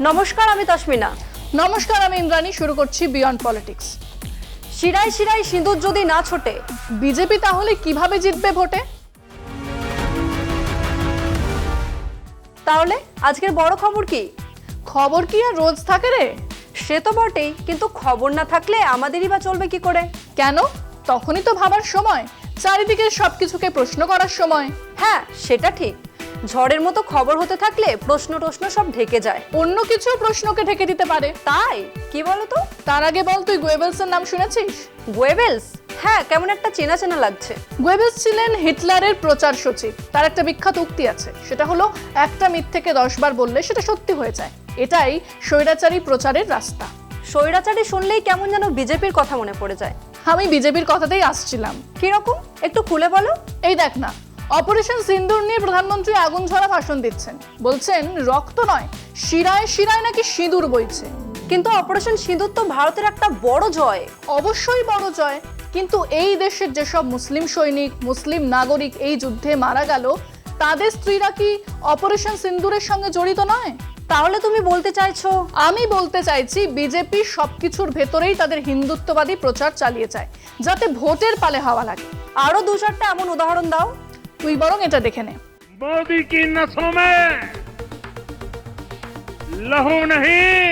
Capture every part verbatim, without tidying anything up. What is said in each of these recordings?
নমস্কার, আমি তাসমিনা। নমস্কার, আমি ইন্দ্রাণী। শুরু করছি বিয়ন্ড পলিটিক্স। শিরায় শিরায় সিঁদুর যদি না ছোটে, বিজেপি তাহলে কিভাবে জিতবে ভোটে? তাহলে আজকের বড় খবর কি? খবর কি আর রোজ থাকে রে? সে তো বটেই, কিন্তু খবর না থাকলে আমাদেরই বা চলবে কি করে? কেন? তখনই তো ভাবার সময়, চারিদিকে সবকিছুকে প্রশ্ন করার সময়। হ্যাঁ, সেটা ঠিক। ঝড়ের মতো খবর হতে থাকলে প্রশ্ন টশ্ন সব ঢেকে যায়। অন্য কিছু প্রশ্নকে ঢেকে দিতে পারে। তাই কি বলতো? তার আগে বল, তুই গোয়েবেলসের নাম শুনেছিস? গোয়েবেলস? হ্যাঁ, কেমন একটা চেনা চেনা লাগছে। গোয়েবেলস ছিলেন হিটলারের প্রচার সচিব। তার একটা বিখ্যাত উক্তি আছে, সেটা হলো একটা মিথ্যেকে দশ বার বললে সেটা সত্যি হয়ে যায়। এটাই স্বৈরাচারী প্রচারের রাস্তা। স্বৈরাচারী শুনলেই কেমন যেন বিজেপির কথা মনে পড়ে যায়। আমি বিজেপির কথাতেই আসছিলাম। কিরকম, একটু খুলে বলো। এই দেখ না, অপারেশন সিন্দুর নিয়ে প্রধানমন্ত্রী আগুন ঝরা ভাষণ দিচ্ছেন। বলছেন রক্ত নয়, শিরায় শিরায় নাকি সিঁদুর বইছে। কিন্তু অপারেশন সিঁদুর তো ভারতের একটা বড় জয়। অবশ্যই বড় জয়, কিন্তু এই দেশের যেসব মুসলিম সৈনিক, মুসলিম নাগরিক এই যুদ্ধে মারা গেল, তাদের স্ত্রীরা কি অপারেশন সিন্দুরের সঙ্গে জড়িত নয়? তাহলে তুমি বলতে চাইছো? আমি বলতে চাইছি বিজেপি সবকিছুর ভেতরেই তাদের হিন্দুত্ববাদী প্রচার চালিয়ে যায়, যাতে ভোটের পালে হাওয়া লাগে। আরো দু চারটা এমন উদাহরণ দাও। তুই বরং এটা দেখে নে। मोदी की नसों में लहू नहीं,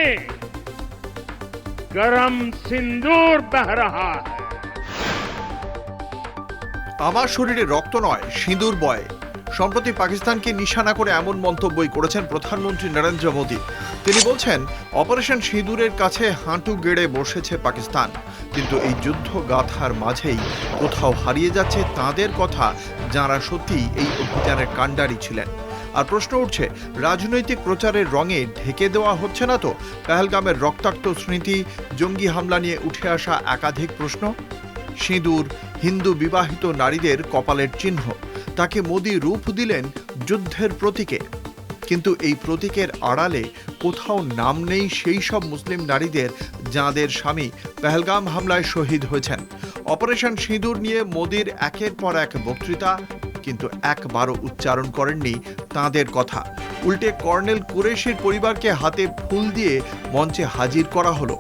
गरम सिंदूर बह रहा है। আমার শরীরে রক্ত নয়, সিঁদুর বয়। সম্প্রতি পাকিস্তানকে নিশানা করে এমন মন্তব্যই করেছেন প্রধানমন্ত্রী নরেন্দ্র মোদী। তিনি বলছেন, অপারেশন সিঁদুরের কাছে হাঁটু গেড়ে বসেছে পাকিস্তান, কিন্তু এই যুদ্ধ গাথার মাঝেই কোথাও হারিয়ে যাচ্ছে তাদের কথা, যারা সত্যি এই অভিযানের কাণ্ডারি ছিলেন। আর প্রশ্ন উঠছে, রাজনৈতিক প্রচারের রঙে ঢেকে দেওয়া হচ্ছে না তো পেহেলগামের রক্তাক্ত স্মৃতি, জঙ্গি হামলা নিয়ে উঠে আসা একাধিক প্রশ্ন? সিঁদুর হিন্দু বিবাহিত নারীদের কপালের চিহ্ন, তাকে মোদি রূপ দিলেন যুদ্ধের প্রতীকে। কিন্তু এই প্রতীকের আড়ালে কোথাও নাম নেই সেই সব মুসলিম নারীদের যাঁদের স্বামী পেহেলগাম হামলায় শহীদ হয়েছেন। অপারেশন সিঁদুর নিয়ে মোদির একের পর এক বক্তৃতা, কিন্তু একবারও উচ্চারণ করেননি তাঁদের কথা। উল্টে কর্নেল কুরেশির পরিবারকে হাতে ফুল দিয়ে মঞ্চে হাজির করা হলো।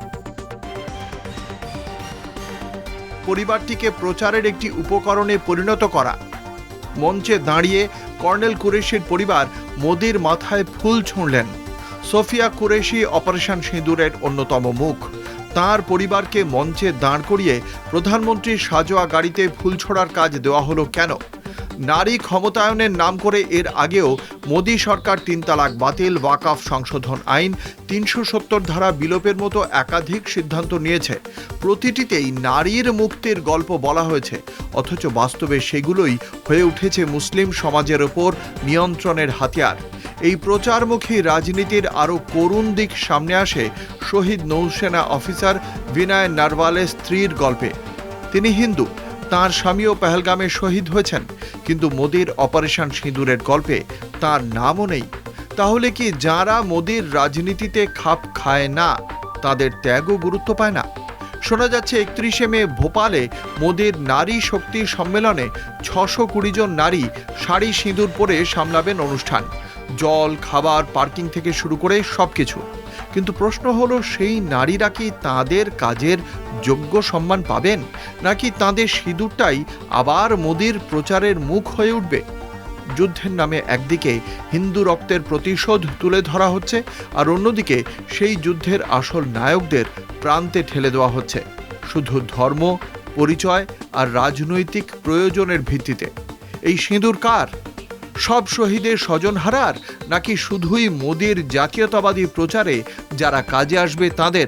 পরিবারটিকে প্রচারের একটি উপকরণে পরিণত করা। মঞ্চে দাঁড়িয়ে কর্নেল কুরেশির পরিবার মোদির মাথায় ফুল ছুঁড়লেন। সোফিয়া কুরেশি অপারেশন সিঁদুরের অন্যতম মুখ। তার পরিবারকে মঞ্চে দাঁড় করিয়ে প্রধানমন্ত্রীর সাজোয়া গাড়িতে ফুল ছোড়ার কাজ দেওয়া হলো কেন? নারী ক্ষমতায়নের নাম করে এর আগেও মোদী সরকার তিন তালাক বাতিল, ওয়াকফ সংশোধন আইন, তিনশো সত্তর ধারা বিলোপের মতো একাধিক সিদ্ধান্ত নিয়েছে। প্রতিটিতেই নারীর মুক্তির গল্প বলা হয়েছে, অথচ বাস্তবে সেগুলোই হয়ে উঠেছে মুসলিম সমাজের ওপর নিয়ন্ত্রণের হাতিয়ার। এই প্রচারমুখী রাজনীতির আরও করুণ দিক সামনে আসে শহীদ নৌসেনা অফিসার বিনয় নারওয়ালের স্ত্রীর গল্পে। তিনি হিন্দু, তাঁর স্বামীও পেহেলগামে শহীদ হয়েছেন, কিন্তু মোদির অপারেশন সিঁদুরের গল্পে তার নামও নেই। তাহলে কি যারা মোদির রাজনীতিতে খাপ খায় না, তাদের ত্যাগও গুরুত্ব পায় না? শোনা যাচ্ছে একত্রিশে মে ভোপালে মোদির নারী শক্তি সম্মেলনে ছশো কুড়ি জন নারী শাড়ি সিঁদুর পরে সামলাবেন অনুষ্ঠান। জল, খাবার, পার্কিং থেকে শুরু করে সবকিছু। কিন্তু প্রশ্ন হলো, সেই নারীরা কি তাদের কাজের যোগ্য সম্মান পাবেন, নাকি তাদের সিঁদুরটাই আবার মোদির প্রচারের মুখ হয়ে উঠবে? যুদ্ধের নামে একদিকে হিন্দু রক্তের প্রতিশোধ তুলে ধরা হচ্ছে, আর অন্যদিকে সেই যুদ্ধের আসল নায়কদের প্রান্তে ঠেলে দেওয়া হচ্ছে শুধু ধর্ম, পরিচয় আর রাজনৈতিক প্রয়োজনের ভিত্তিতে। এই সিঁদুর কার? সব শহীদের স্বজনহারার, নাকি শুধুই মোদির জাতীয়তাবাদী প্রচারে যারা কাজে আসবে তাদের?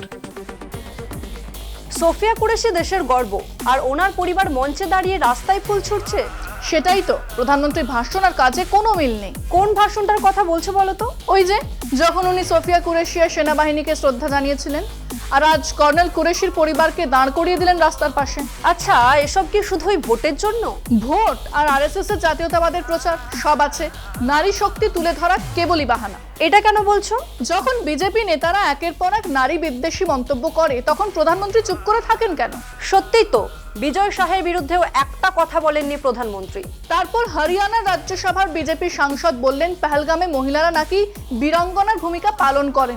সোফিয়া কুরেশি দেশের গর্ব, আর ওনার পরিবার মঞ্চে দাঁড়িয়ে রাস্তায় ফুল ছুটছে। সেটাই তো, প্রধানমন্ত্রীর ভাষণ আর কাজে কোনো মিল নেই। কোন ভাষণটার কথা বলছো বলো তো? ওই যে যখন উনি সোফিয়া কুরেশিয়া সেনাবাহিনীকে শ্রদ্ধা জানিয়েছিলেন, আর আজ কর্নেল কুরেশির পরিবারকে দাঁড় করিয়ে দিলেন রাস্তার পাশে। আচ্ছা, এসব কি শুধুই ভোটের জন্য? ভোট আর আরএসএস এর জাতীয়তাবাদের প্রচার সব আছে, নারী শক্তি তুলে ধরা কেবলই বাহানা। এটা কেন বলছো? যখন বিজেপি নেতারা একের পর এক নারী বিদ্বেষী মন্তব্য করে, তখন প্রধানমন্ত্রী চুপ করে থাকেন কেন? সত্যিই তো, বিজয় শাহের বিরুদ্ধেও একটা কথা বলেননি প্রধানমন্ত্রী। তারপর হরিয়ানার রাজ্যসভার বিজেপি সাংসদ বললেন পেহেলগামে মহিলারা নাকি বীরাঙ্গনার ভূমিকা পালন করেননি।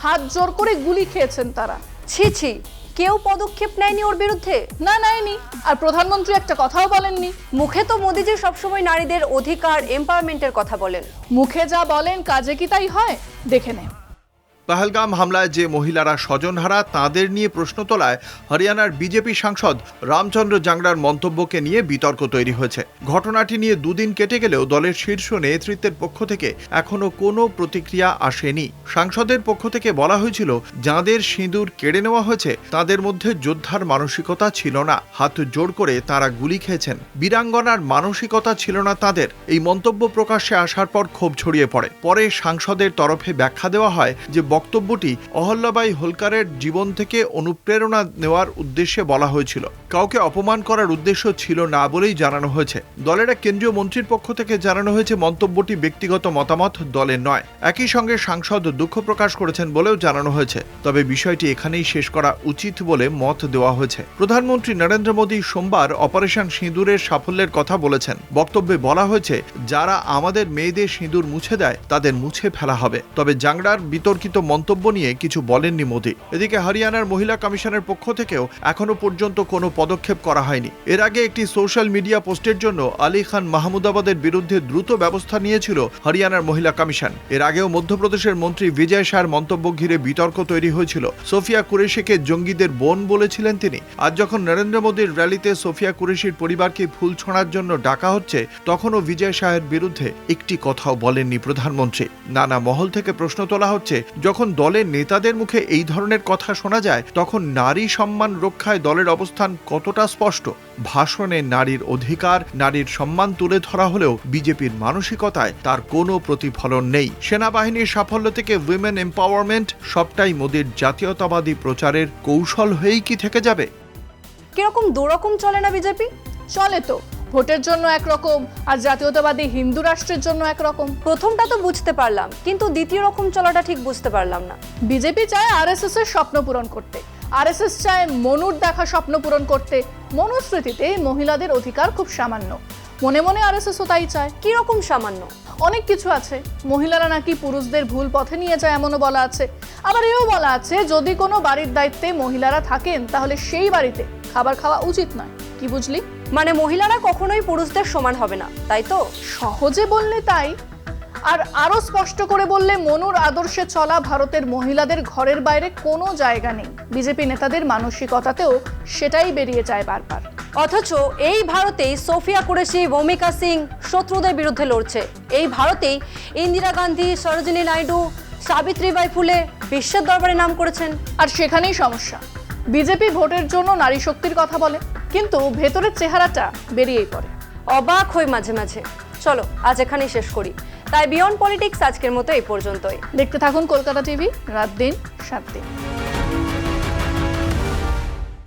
হাত জোর করে গুলি খেয়েছেন তারা। ছি ছি, কেউ পদক্ষেপ নেয়নি ওর বিরুদ্ধে? না, নেয়নি। আর প্রধানমন্ত্রী একটা কথাও বলেননি। মুখে তো মোদিজি সবসময় নারীদের অধিকার, এম্পাওয়ারমেন্টের কথা বলেন। মুখে যা বলেন কাজে কি তাই হয়? দেখে নে। পহলগাম হামলায় যে মহিলারা স্বজনহারা তাদের নিয়ে প্রশ্ন তোলায় হরিয়ানার বিজেপি সাংসদ রামচন্দ্র জাংড়ার মন্তব্যকে নিয়ে বিতর্ক তৈরি হয়েছে। ঘটনাটি নিয়ে দুদিন কেটে গেলেও দলের শীর্ষ নেতৃত্বের পক্ষ থেকে এখনো কোনো প্রতিক্রিয়া আসেনি। সাংসদের পক্ষ থেকে বলা হয়েছিল, যাঁদের সিঁদুর কেড়ে নেওয়া হয়েছে তাদের মধ্যে যোদ্ধার মানসিকতা ছিল না, হাত জোর করে তারা গুলি খেয়েছেন, বীরাঙ্গনার মানসিকতা ছিল না তাদের। এই মন্তব্য প্রকাশ্যে আসার পর ক্ষোভ ছড়িয়ে পড়ে। পরে সাংসদের তরফে ব্যাখ্যা দেওয়া হয় যে বক্তব্যটি অহল্যাবাই হোলকারের জীবন থেকে অনুপ্রেরণা নেওয়ার উদ্দেশ্যে বলা হয়েছিল, কাউকে অপমান করার উদ্দেশ্য ছিল না বলেই জানানো হয়েছে। দলের এক কেন্দ্রীয় মন্ত্রীর পক্ষ থেকে জানানো হয়েছে মন্তব্যটি ব্যক্তিগত মতামত, দলের নয়। একই সঙ্গে সাংসদ দুঃখ প্রকাশ করেছেন বলেও জানানো হয়েছে। তবে বিষয়টি এখানেই শেষ করা উচিত বলে মত দেওয়া হয়েছে। প্রধানমন্ত্রী নরেন্দ্র মোদী সোমবার অপারেশন সিঁদুরের সাফল্যের কথা বলেছেন। বক্তব্যে বলা হয়েছে, যারা আমাদের মেয়েদের সিঁদুর মুছে দেয় তাদের মুছে ফেলা হবে। তবে জাংড়ার বিতর্কিত মন্তব্য নিয়ে কিছু বলেননি মোদী। এদিকে হরিয়ানার মহিলা কমিশনের পক্ষ থেকেও এখনো পর্যন্ত কোনো পদক্ষেপ করা হয়নি। এর আগে একটি সোশ্যাল মিডিয়া পোস্টের জন্য আলী খান মাহমুদাবাদের বিরুদ্ধে দ্রুত ব্যবস্থা নিয়েছিল হরিয়ানার মহিলা কমিশন। এর আগেও মধ্যপ্রদেশের মন্ত্রী বিজয় শাহর মন্তব্য ঘিরে বিতর্ক তৈরি হয়েছিল। সোফিয়া কুরেশিকে জঙ্গিদের বোন বলেছিলেন তিনি। আজ যখন নরেন্দ্র মোদীর র্যালিতে সোফিয়া কুরেশির পরিবারকে ফুল ছোঁড়ার জন্য ডাকা হচ্ছে, তখনও বিজয় শাহের বিরুদ্ধে একটি কথাও বলেননি প্রধানমন্ত্রী। নানা মহল থেকে প্রশ্ন তোলা হচ্ছে, যখন দলের নেতাদের মুখে এই ধরনের কথা শোনা যায় তখন নারী সম্মান রক্ষায় দলের অবস্থান কতটা স্পষ্ট। ভাষণে নারীর অধিকার, নারীর সম্মান তুলে ধরা হলেও বিজেপির মানসিকতায় তার কোনো প্রতিফলন নেই। সেনাবাহিনীর সাফল্য থেকে উইমেন এম্পাওয়ারমেন্ট সবটাই মোদীর জাতীয়তাবাদী প্রচারের কৌশল হয়েই কি থেকে যাবে? কিরকম দুরকম চলে না বিজেপি? চলে তো, ভোটের জন্য একরকম আর জাতীয়তাবাদী হিন্দু রাষ্ট্রের জন্য একরকম। প্রথমটা তো বুঝতে পারলাম, কিন্তু দ্বিতীয় রকম চলাটা ঠিক বুঝতে পারলাম না। বিজেপি চায় আরএসএস এর স্বপ্ন পূরণ করতে, আরএসএস চায় মনুর দেখা স্বপ্ন পূরণ করতে। মনুস্মৃতিতে মহিলাদের অধিকার খুব সামান্য, মনে মনে আরএসএসও তাই চায়। কি রকম সামান্য? অনেক কিছু আছে। মহিলারা নাকি পুরুষদের ভুল পথে নিয়ে যায়, এমনও বলা আছে। আবার এও বলা আছে, যদি কোনো বাড়ির দায়িত্বে মহিলারা থাকেন তাহলে সেই বাড়িতে খাবার খাওয়া উচিত নয়। কি বুঝলি? মানে মহিলারা কখনোই পুরুষদের সমান হবে না, তাই তো? সহজে বললে তাই, আর আরো স্পষ্ট করে বললে মনুর আদর্শে চলা ভারতের মহিলাদের ঘরের বাইরে কোনো জায়গা নেই। বিজেপি নেতাদের মানসিকতাতেও সেটাই বেরিয়ে যায় বারবার। অথচ এই ভারতেই সোফিয়া কুরেশি, ভূমিকা সিং শত্রুদের বিরুদ্ধে লড়ছে। এই ভারতেই ইন্দিরা গান্ধী, সরোজিনী নাইডু, সাবিত্রীবাই ফুলে বিশ্বের দরবারে নাম করেছেন। আর সেখানেই সমস্যা। বিজেপি ভোটের জন্য নারী শক্তির কথা বলে, কিন্তু ভেতরের চেহারাটা বেরিয়েই পড়ে। অবাক হই মাঝে মাঝে। চলো আজ এখানেই শেষ করি। তাই বিয়ন্ড পলিটিক্স আজকের মতো এই পর্যন্তই। দেখতে থাকুন কলকাতা টিভি, রাত দিন সাত দিন।